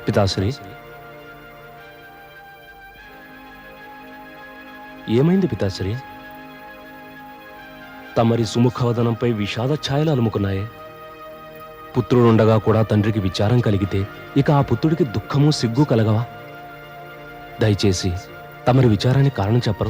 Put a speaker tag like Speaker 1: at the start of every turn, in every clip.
Speaker 1: పితాశ్రీ, ఏమైంది పితాశ్రీ? తమరి సుముఖవదనంపై విషాద ఛాయలు అలుముకున్నాయే. పుత్రుడుండగా కూడా తండ్రికి విచారం కలిగితే ఇక ఆ పుత్రుడికి దుఃఖము సిగ్గు కలగవా? దయచేసి తమరి విచారానికి కారణం చెప్పరు?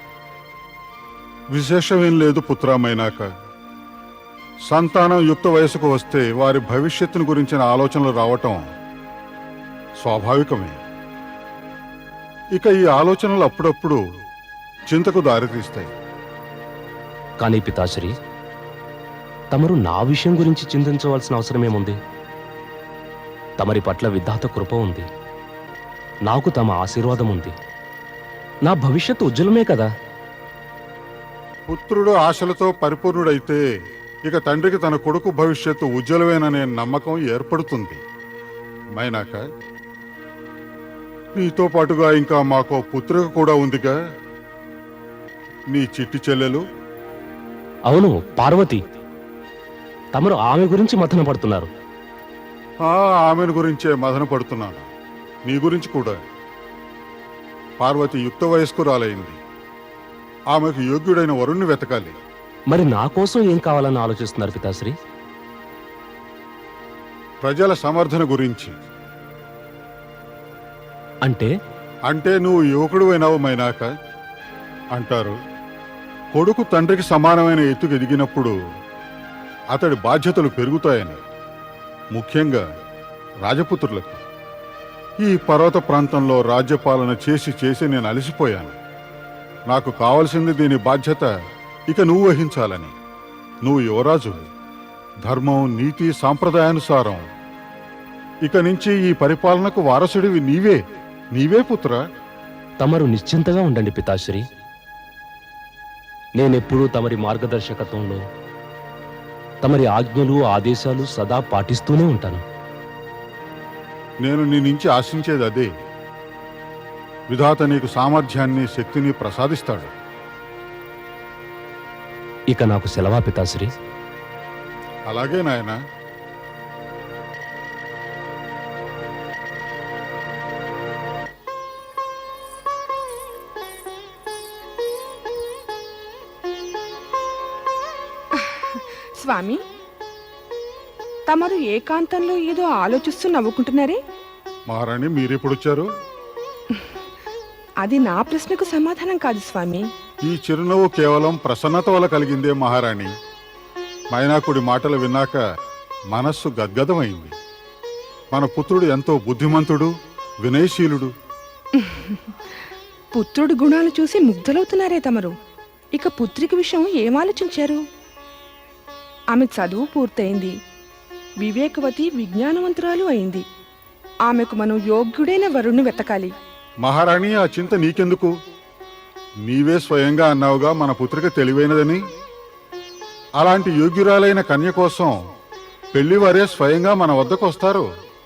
Speaker 2: విశేషమేం లేదు పుత్రమైనాక. సంతానం యుక్త వయసుకు వస్తే వారి భవిష్యత్తును గురించిన ఆలోచనలు రావటం స్వాభావికమే. ఇక ఈ ఆలోచనలు అప్పుడప్పుడు చింతకు దారితీస్తాయి.
Speaker 1: కానీ పితాశ్రీ, తమరు నా విషయం గురించి చింతించవలసిన అవసరమేముంది? తమరి పట్ల విధాత కృప ఉంది, నాకు తమ ఆశీర్వాదం ఉంది. నా భవిష్యత్తు ఉజ్వలమే కదా.
Speaker 2: పుత్రుడు ఆశలతో పరిపూర్ణుడైతే ఇక తండ్రికి తన కొడుకు భవిష్యత్తు ఉజ్వలమేననే నమ్మకం ఏర్పడుతుంది. మైనాక, నీతో పాటుగా ఇంకా మాకో పుత్రిక కూడా ఉందిగా, నీ చిట్టి చెల్లెలు.
Speaker 1: అవును, పార్వతి. తమరు ఆమె గురించి మథన పడుతున్నారు.
Speaker 2: ఆమెను గురించే మదన పడుతున్నాను. నీ గురించి కూడా. పార్వతి యుక్త వయస్కురాలైంది. ఆమెకు యోగ్యుడైన వరుణ్ణి వెతకాలి.
Speaker 1: మరి నా కోసం ఏం కావాలని ఆలోచిస్తున్నారు పితాశ్రీ?
Speaker 2: ప్రజల సమర్థన గురించి. అంటే నువ్వు యువకుడు అయినావు మైనాక. అంటారు, కొడుకు తండ్రికి సమానమైన ఎత్తుకు ఎదిగినప్పుడు అతడి బాధ్యతలు పెరుగుతాయని. ముఖ్యంగా రాజపుత్రులకు. ఈ పర్వత ప్రాంతంలో రాజ్యపాలన చేసి నేను అలసిపోయాను. నాకు కావలసింది దీని బాధ్యత ఇక నువ్వు వహించాలని. నువ్వు యువరాజు. ధర్మం, నీతి, సాంప్రదాయానుసారం ఇక నుంచి ఈ పరిపాలనకు వారసుడివి నీవే పుత్ర.
Speaker 1: తమరు నిశ్చింతగా ఉండండి పితాశ్రీ. నేనెప్పుడూ తమరి మార్గదర్శకత్వంలో తమరి ఆజ్ఞలు, ఆదేశాలు సదా పాటిస్తూనే ఉంటాను.
Speaker 2: నేను నీ నుంచి ఆశించేది అదే. విధాత నీకు సామర్థ్యాన్ని, శక్తిని ప్రసాదిస్తాడు.
Speaker 1: ఇక నాకు సెలవా పితాశ్రీ?
Speaker 2: అలాగే నాయనా.
Speaker 3: స్వామి, తమరు ఏకాంతంలో ఏదో ఆలోచిస్తూ నవ్వుకుంటున్నారే?
Speaker 2: మహారాణి, మీరెప్పుడొచ్చారు?
Speaker 3: అది నా ప్రశ్నకు సమాధానం కాదు స్వామి.
Speaker 2: ఈ చిరునవ్వు కేవలం ప్రసన్నత వల్ల కలిగిందే మహారాణి. మైనాకుడి మాటలు విన్నాక మనస్సు గద్గదమైంది. మన పుత్రుడు ఎంతో బుద్ధిమంతుడు, వినయశీలుడు.
Speaker 3: పుత్రుడి గుణాలు చూసి ముగ్ధులవుతున్నారే తమరు. ఇక పుత్రిక విషయం ఏం ఆలోచించారు? ఆమె చదువు పూర్తయింది, వివేకవతి, విజ్ఞానవంతురాలు అయింది. ఆమెకు మనం యోగ్యుడైన వరుణ్ణి వెతకాలి.
Speaker 2: మహారాణి, ఆ చింత నీకెందుకు? నీవే స్వయంగా అన్నావుగా మన పుత్రిక తెలివైనదని. అలాంటి యోగ్యురాలైన కన్య కోసం పెళ్లివారే స్వయంగా మన వద్దకు వస్తారు.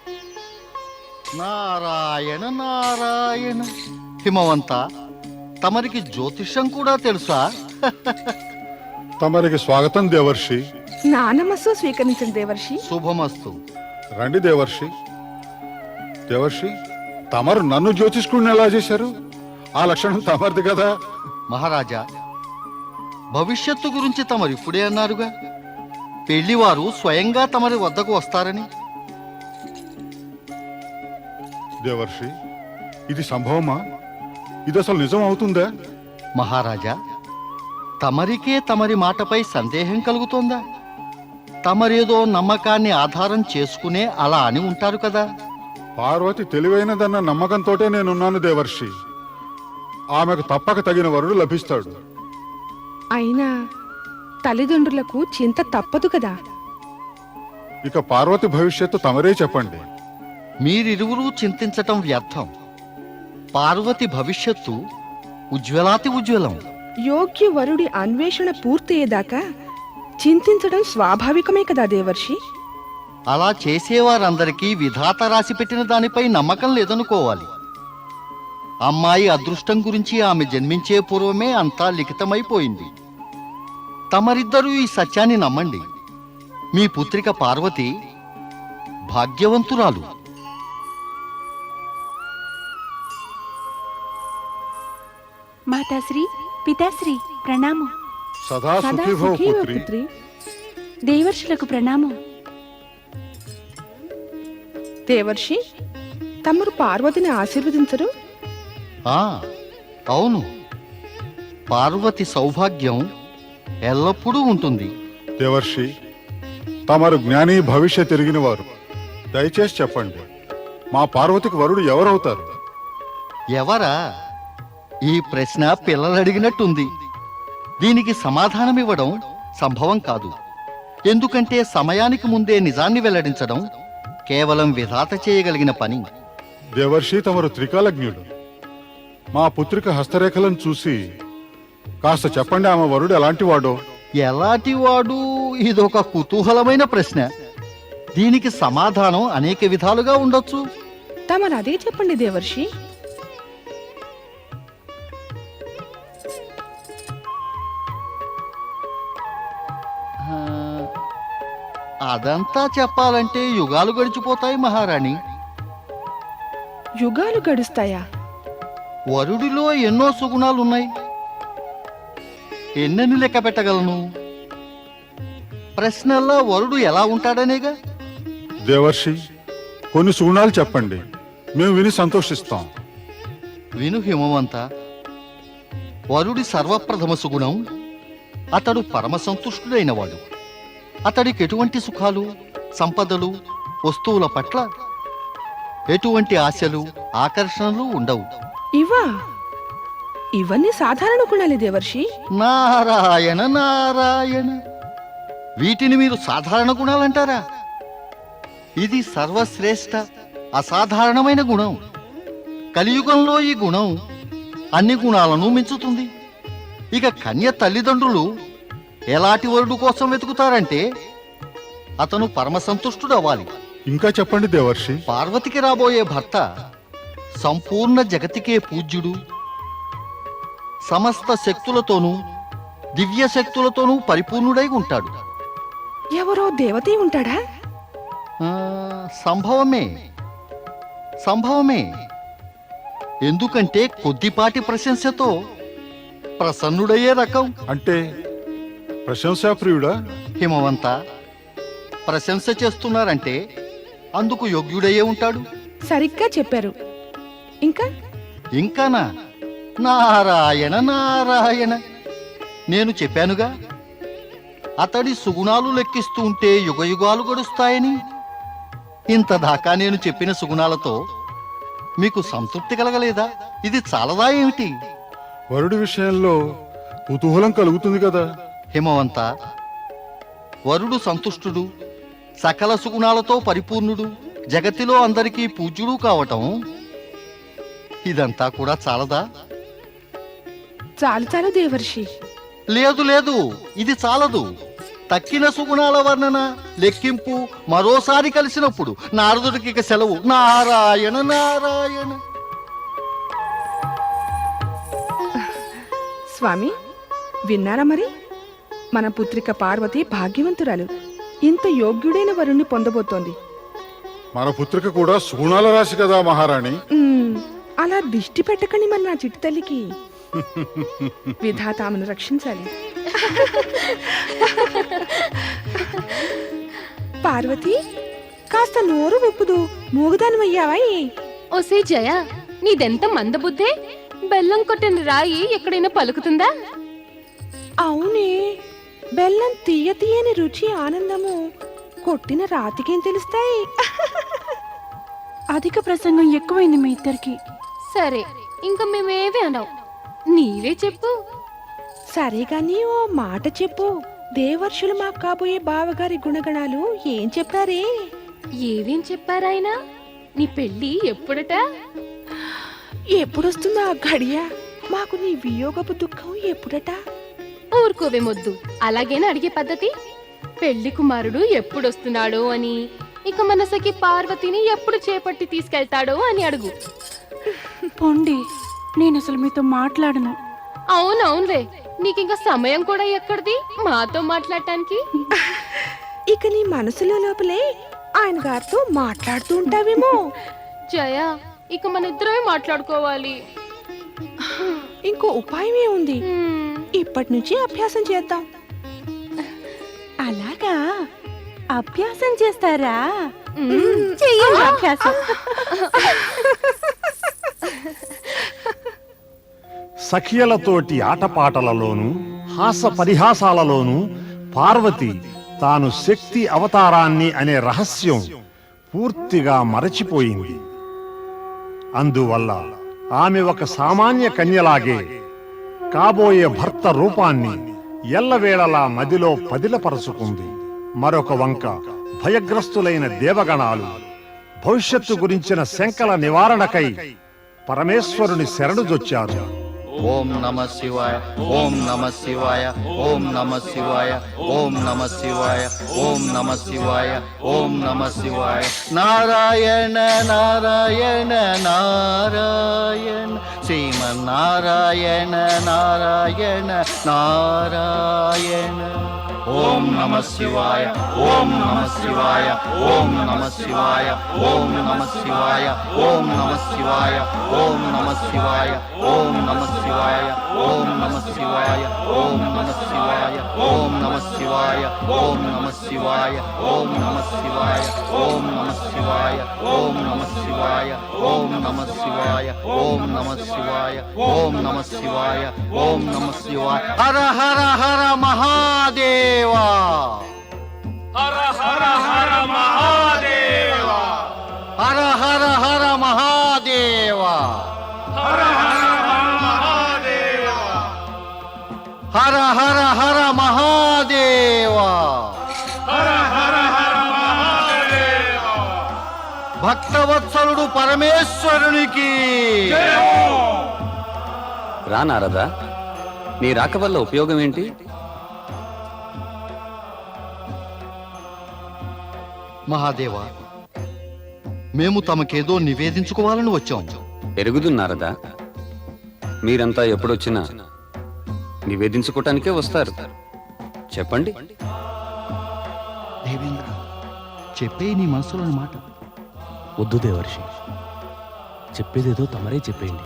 Speaker 4: నారాయణ నారాయణ. హిమవంత, తమరికి జ్యోతిష్యం కూడా తెలుసా?
Speaker 2: తమరికి స్వాగతం దేవర్షి.
Speaker 3: నా నమస్సు స్వీకరించండి దేవర్షి.
Speaker 4: శుభమస్తు.
Speaker 2: రండి దేవర్షి. దేవర్షి, తమరు నన్ను జ్యోతిష్కుడిని ఎలా చేశారు? ఆ లక్షణం తమరిది కదా.
Speaker 4: మహారాజా, భవిష్యత్తు గురించి తమరు ఇప్పుడే అన్నారుగా, పెళ్లివారు స్వయంగా తమరి వద్దకు వస్తారని.
Speaker 2: దేవర్షి, ఇది సంభవమా? ఇది అసలు నిజం అవుతుందా?
Speaker 4: మహారాజా, తమరికే తమరి మాటపై సందేహం కలుగుతోందా? తమరేదో నమ్మకాన్ని ఆధారం చేసుకునే అలా అని ఉంటారు కదా.
Speaker 2: పార్వతి తెలివైనదన్న నమ్మకంతోటే నేనున్నాను దేవర్షి. ఆమెకు తప్పక తగిన వరుడు లభిస్తాడు.
Speaker 3: అయినా తల్లిదండ్రులకు చింత తప్పదు కదా.
Speaker 2: ఇక పార్వతి భవిష్యత్తు తమరే చెప్పండి.
Speaker 4: మీరిరువురూ చింతించటం వ్యర్థం. పార్వతి భవిష్యత్తు ఉజ్వలాతి ఉజ్వలం.
Speaker 3: యోగ్య వరుడి అన్వేషణ పూర్తయ్యేదాకా చింతించడం స్వాభావికమే కదా దేవర్షి.
Speaker 4: అలా చేసేవారందరికీ విధాత రాసి పెట్టిన దానిపై నమ్మకం లేదనుకోవాలి. అమ్మాయి అదృష్టం గురించి ఆమె జన్మించే పూర్వమే అంతా లిఖితమైపోయింది. తమరిద్దరూ ఈ సత్యాన్ని నమ్మండి. మీ పుత్రిక పార్వతి భాగ్యవంతురాలు.
Speaker 5: మాతాశ్రీ పితాశ్రీ ప్రణామం.
Speaker 2: సదా
Speaker 3: సదా
Speaker 2: సుఖీభవ
Speaker 3: సుఖీవ
Speaker 2: పుత్రి.
Speaker 3: పుత్రి.
Speaker 5: దేవర్షులకు ప్రణామం.
Speaker 3: దేవర్షి, తమరు పార్వతిని ఆశీర్వదించరు?
Speaker 4: ఆ, అవును. పార్వతి సౌభాగ్యం ఎల్లప్పుడూ ఉంటుంది.
Speaker 2: దేవర్షి, తమరు జ్ఞాని భవిష్య తిరిగిన వారు. దయచేసి చెప్పండి, మా పార్వతికి వరుడు ఎవరవుతారు?
Speaker 4: ఎవరా? ఈ ప్రశ్న పిల్లలు అడిగినట్టుంది. దీనికి సమాధానం ఇవ్వడం సంభవం కాదు. ఎందుకంటే సమయానికి ముందే నిజాన్ని వెల్లడించడం కేవలం విధాత చేయగలిగిన పని.
Speaker 2: దేవర్షి, తమరు త్రికాలజ్ఞుడు. మా పుత్రిక హస్తరేఖలను చూసి కాస్త చెప్పండి, ఆమె వరుడు ఎలాంటి వాడో.
Speaker 4: ఎలాంటి వాడు? ఇదొక కుతూహలమైన ప్రశ్న. దీనికి సమాధానం అనేక విధాలుగా ఉండొచ్చు.
Speaker 3: తమరు అదే చెప్పండి దేవర్షి.
Speaker 4: ఆ, అదంతా చెప్పాలంటే యుగాలు గడిచిపోతాయి మహారాణి.
Speaker 3: యుగాలు గడుస్తాయా?
Speaker 4: వరుడిలో ఎన్నో సుగుణాలున్నాయి. ఎన్నెన్ని లెక్క పెట్టగలను? ప్రశ్నల్లో వరుడు ఎలా ఉంటాడనేగా.
Speaker 2: దేవర్షి, కొన్ని సుగుణాలు చెప్పండి, మేము విని సంతోషిస్తాం.
Speaker 4: విను హిమవంత. వరుడి సర్వప్రథమ సుగుణం, అతడు పరమ సంతుష్టుడైనవాడు. అతడికి ఎటువంటి సుఖాలు, సంపదలు, వస్తువుల పట్ల ఎటువంటి ఆశలు, ఆకర్షణలు ఉండవు.
Speaker 3: ఇవా? ఇవన్నీ సాధారణ గుణాలే దేవర్షి.
Speaker 4: నారాయణ నారాయణ, వీటిని మీరు సాధారణ గుణాలంటారా? ఇది సర్వశ్రేష్ఠ అసాధారణమైన గుణం. కలియుగంలో ఈ గుణం అన్ని గుణాలను మించుతుంది. ఇక కన్య తల్లిదండ్రులు ఎలాంటి వరుడు కోసం వెతుకుతారంటే అతను పరమ సంతుష్టుడు అవ్వాలి.
Speaker 2: ఇంకా చెప్పండి దేవర్షి.
Speaker 4: పార్వతికి రాబోయే భర్త సంపూర్ణ జగతికే పూజ్యుడు, సమస్త శక్తులతోనూ దివ్య శక్తులతోనూ పరిపూర్ణుడై ఉంటాడు.
Speaker 3: ఎవరో దేవతే ఉంటాడా?
Speaker 4: ఆ, సంభవమే సంభవమే. ఎందుకంటే కొద్దిపాటి ప్రశంసతో ప్రసన్నుడయ్యే రకం.
Speaker 2: అంటే ప్రశంసాప్రియుడా?
Speaker 4: హిమవంత, ప్రశంస చేస్తున్నారంటే అందుకు యోగ్యుడయ్యే ఉంటాడు.
Speaker 3: సరిగ్గా చెప్పారు. ఇంకా
Speaker 4: ఇంకానా? నారాయణ నారాయణ, నేను చెప్పానుగా, అతడి సుగుణాలు లెక్కిస్తూ ఉంటే యుగయుగాలు గడుస్తాయని. ఇంతదాకా నేను చెప్పిన సుగుణాలతో మీకు సంతృప్తి కలగలేదా? ఇది చాలదా ఏమిటి?
Speaker 2: వరుడి విషయంలో కుతూహలం కలుగుతుంది కదా.
Speaker 4: హిమవంత, వరుడు సంతుష్టుడు, సకల సుగుణాలతో పరిపూర్ణుడు, జగతిలో అందరికీ పూజ్యుడు కావటం, ఇదంతా కూడా చాలదా?
Speaker 3: చాలు చాలు దేవర్షి.
Speaker 4: లేదు లేదు, ఇది చాలదు. తక్కిన సుగుణాల వర్ణన, లెక్కింపు మరోసారి కలిసినప్పుడు నారదుడికి ఇక సెలవు. నారాయణ నారాయణ.
Speaker 3: స్వామి, విన్నారా మరి? మన పుత్రిక పార్వతి భాగ్యవంతురాలు. ఇంత యోగ్యుడైన వరుణ్ణి పొందబోతోంది.
Speaker 2: మన పుత్రిక కూడా సుగుణాల రాశి కదా మహారాణి.
Speaker 3: అలా దిష్టి పెట్టకండి మరి నా చిట్టి తల్లికి. విధాత ఆమెను రక్షించాలి. పార్వతి, కాస్త నోరు ఒప్పుదు. మూగుదానివయ్యావా?
Speaker 6: ఓసే జయ, నీదెంత మందబుద్ధే. బెల్లం కొట్టిన రాయి ఎక్కడైనా పలుకుతుందా?
Speaker 3: అవునే, బెల్లం తీయ తీయని రుచి ఆనందము కొట్టిన రాతికేం తెలుస్తాయి?
Speaker 5: అధిక ప్రసంగం ఎక్కువైంది మీ ఇద్దరికి.
Speaker 6: సరే, ఇంకా మేమేవి అనవు, నీవే చెప్పు.
Speaker 3: సరే గాని ఓ మాట చెప్పు. దేవర్షులు మాకు కాబోయే బావగారి గుణగణాలు ఏం చెప్పారే?
Speaker 6: ఏవేం చెప్పారాయనా? నీ పెళ్ళి ఎప్పుడట?
Speaker 3: ఎప్పుడొస్తుందో ఆ గడియ? మాకు నీ వియోగపు దుఃఖం ఎప్పుడట?
Speaker 6: ఊరుకోవే మొద్దు, అలాగేనా అడిగే పద్ధతి? పెళ్లి కుమారుడు ఎప్పుడొస్తున్నాడో అని, ఇక మనసకి పార్వతిని ఎప్పుడు చేపట్టి తీసుకెళ్తాడో అని అడుగు.
Speaker 5: పొండి, నేను అసలు మీతో మాట్లాడను.
Speaker 6: అవునవునులే, నీకింకా సమయం కూడా ఎక్కడిది మాతో మాట్లాడటానికి?
Speaker 3: ఇక నీ మనసులో లోపలే ఆయన గారితో మాట్లాడుతూ ఉంటావేమో.
Speaker 6: జయ, ఇక మన ఇద్దరమే మాట్లాడుకోవాలి.
Speaker 3: ఇంకో ఉపాయమే ఉంది.
Speaker 6: మ్మ్.
Speaker 3: ఇప్పటి నుంచి అభ్యాసం చేద్దాం.
Speaker 5: అలాగా అభ్యాసం చేస్తారా?
Speaker 6: మ్మ్.
Speaker 5: చెయ్యండి అభ్యాసం.
Speaker 7: సఖియలతోటి ఆటపాటలలోనూ హాస పరిహాసాలలోనూ పార్వతి తాను శక్తి అవతారాన్ని అనే రహస్యం పూర్తిగా మరచిపోయింది. అందువల్ల ఆమె ఒక సామాన్య కన్యలాగే కాబోయే భర్త రూపాన్ని ఎల్లవేళలా మదిలో పదిలపరుచుకుంది. మరొక వంక భయగ్రస్తులైన దేవగణాలు భవిష్యత్తు గురించిన శంకల నివారణకై పరమేశ్వరుని శరణుజొచ్చారు.
Speaker 4: ఓం నమ శివాయ, ఓం నమ శివాయ, ఓం నమ శివాయ, ఓం నమ శివాయ, ఓం నమ శివాయ, ఓం నమ శివాయ. నారాయణ నారాయణ నారాయణ, శ్రీమన్నారాయణ నారాయణ నారాయణ. ఓం నమ శివాయ, ఓం నమ శివాయ, ఓం నమ శివాయ, ఓం నమ శివాయ, ఓం నమ శివాయ, ఓం నమ శివాయ, ఓం నమ శివాయ, ఓం నమ శివాయ, ఓం నమ శివాయ, ఓం నమ శివాయ, ఓం నమ శివాయ, ఓం నమ శివాయ, ఓం నమ శివాయ, ఓం నమ శివాయ, ఓం నమ శివాయ, ఓం నమ శివాయ, ఓం నమ శివాయ, ఓం నమ శివాయ. హర హర హర మహాదేవా, హర హర హర మహాదేవా, హర హర హర మహాదేవా, హర హర హర మహాదేవా, హర హర హర మహాదేవా, హర హర హర మహాదేవా. భక్తవత్సలుడు పరమేశ్వరునికి
Speaker 8: రా నారదా, నీ రాక వల్ల ఉపయోగం ఏంటి?
Speaker 4: మహాదేవా, మేము తమకేదో నివేదించుకోవాలని వచ్చాం.
Speaker 8: ఎరుగుదున్నారదా, మీరంతా ఎప్పుడొచ్చినా నివేదించుకోవటానికే వస్తారు. చెప్పండి.
Speaker 4: దేవేంద్ర, చెప్పే నీ మనసులోని మాట.
Speaker 1: వద్దు దేవర్షి, చెప్పేదేదో తమరే చెప్పేయండి.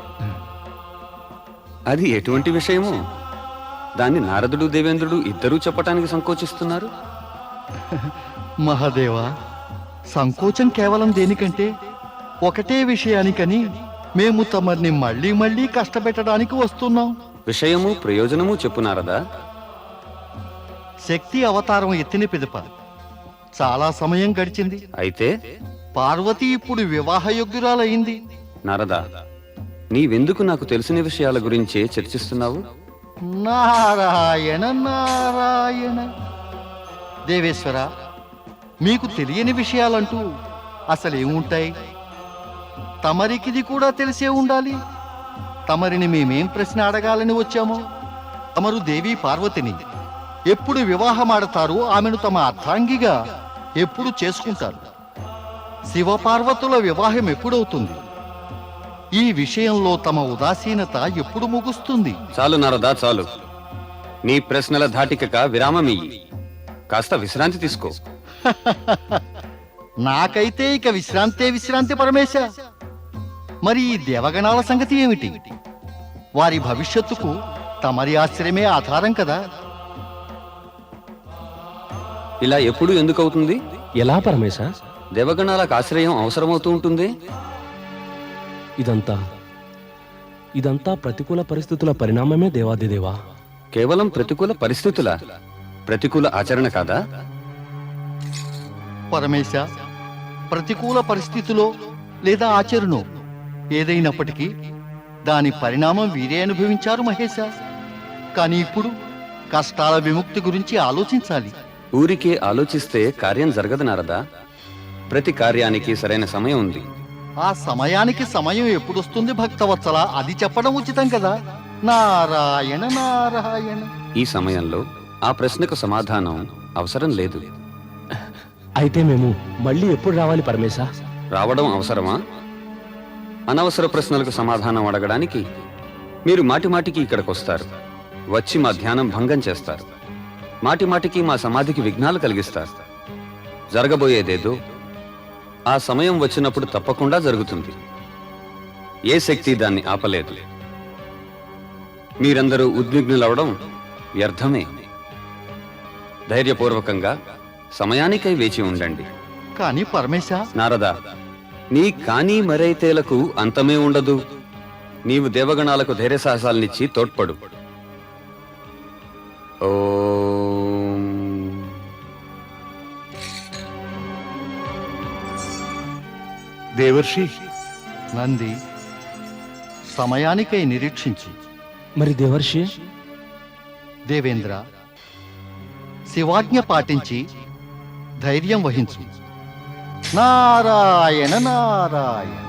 Speaker 8: అది ఎటువంటి విషయమో దాన్ని నారదుడు దేవేంద్రుడు ఇద్దరూ చెప్పటానికి సంకోచిస్తున్నారు.
Speaker 4: మహాదేవా, సంకోచం కేవలం దేనికంటే ఒకటే విషయానికని మేము తమర్ని మళ్ళీ మళ్ళీ కష్టపెట్టడానికి వస్తున్నాం.
Speaker 8: విషయము ప్రయోజనము చెప్పు నారదా.
Speaker 4: శక్తి అవతారం ఎత్తిన పిదప చాలా సమయం గడిచింది.
Speaker 8: అయితే
Speaker 4: పార్వతి ఇప్పుడు వివాహయోగ్యురాలయ్యింది.
Speaker 8: నారదా, నీవెందుకు నాకు తెలిసిన విషయాల గురించే చర్చిస్తున్నావు?
Speaker 4: నారాయణ నారాయణ. దేవేశ్వర, మీకు తెలియని విషయాలంటూ అసలేముంటాయి? తమరికిది కూడా తెలిసే ఉండాలి. తమరిని మేమేం ప్రశ్న అడగాలని వచ్చామో? తమరు దేవి పార్వతిని ఎప్పుడు వివాహమాడతారు? ఆమెను తమ అర్ధాంగిగా ఎప్పుడు చేసుకుంటారు? శివపార్వతుల వివాహం ఎప్పుడవుతుంది? ఈ విషయంలో తమ ఉదాసీనత ఎప్పుడు ముగుస్తుంది?
Speaker 8: చాలు నారదా, చాలు. నీ ప్రశ్నల ధాటికక విరామమియ్యి. కాస్త విశ్రాంతి తీసుకో.
Speaker 4: నాకైతే ఇక విశ్రాంతే విశ్రాంతి పరమేశ. మరి ఈ దేవగణాల సంగతి ఏమిటి? వారి భవిష్యత్తుకు తమరి ఆశ్రయమే ఆధారం కదా.
Speaker 8: ఇలా ఎప్పుడు ఎందుకవుతుంది?
Speaker 1: ఎలా పరమేశ?
Speaker 8: దేవగణాలకు ఆశ్రయం అవసరమవుతూ ఉంటుంది.
Speaker 1: ఇదంతా ప్రతికూల పరిస్థితుల పరిణామమే దేవాదిదేవా.
Speaker 8: కేవలం ప్రతికూల పరిస్థితుల ప్రతికూల ఆచరణ కాదా?
Speaker 4: పరమేశ, ప్రతికూల పరిస్థితిలో లేదా ఆచరణో ఏదైనప్పటికీ దాని పరిణామం వీరే అనుభవించారు మహేశ. కానీ ఇప్పుడు కష్టాల విముక్తి గురించి ఆలోచించాలి.
Speaker 8: ఊరికే ఆలోచిస్తే కార్యం జరగదు నారదా. ప్రతి కార్యానికి సరైన సమయం ఉంది.
Speaker 4: ఆ సమయానికి సమయం ఎప్పుడొస్తుంది భక్తవత్సల? అది చెప్పడం ఉచితం కదా. నారాయణ నారాయణ.
Speaker 8: ఈ సమయంలో ఆ ప్రశ్నకు సమాధానం అవసరం లేదు.
Speaker 1: అయితే మేము మళ్ళీ ఎప్పుడు రావాలి పరమేశ?
Speaker 8: రావడం అవసరమా? అనవసర ప్రశ్నలకు సమాధానం అడగడానికి మీరు మాటిమాటికి ఇక్కడికొస్తారు. వచ్చి మా ధ్యానం భంగం చేస్తారు. మాటిమాటికి మా సమాధికి విఘ్నాలు కలిగిస్తారు. జరగబోయేదేదో ఆ సమయం వచ్చినప్పుడు తప్పకుండా జరుగుతుంది. ఏ శక్తి దాన్ని ఆపలేదు. మీరందరూ ఉద్విగ్నులవడం వ్యర్థమే. ధైర్యపూర్వకంగా సమయానికై వేచి ఉండండి.
Speaker 4: కానీ పరమేశ,
Speaker 8: నారద, నీ కానీ మరైతేలకు అంతమే ఉండదు. నీవు దేవగణాలకు ధైర్య సాహసాలనిచ్చి తోడ్పడు. ఓం.
Speaker 7: దేవర్షి,
Speaker 4: నంది సమయానికై నిరీక్షించు.
Speaker 1: మరి దేవర్షి?
Speaker 4: దేవేంద్ర, శివాజ్ఞ పాటించి ధైర్యం వహించు. నారాయణ నారాయణ.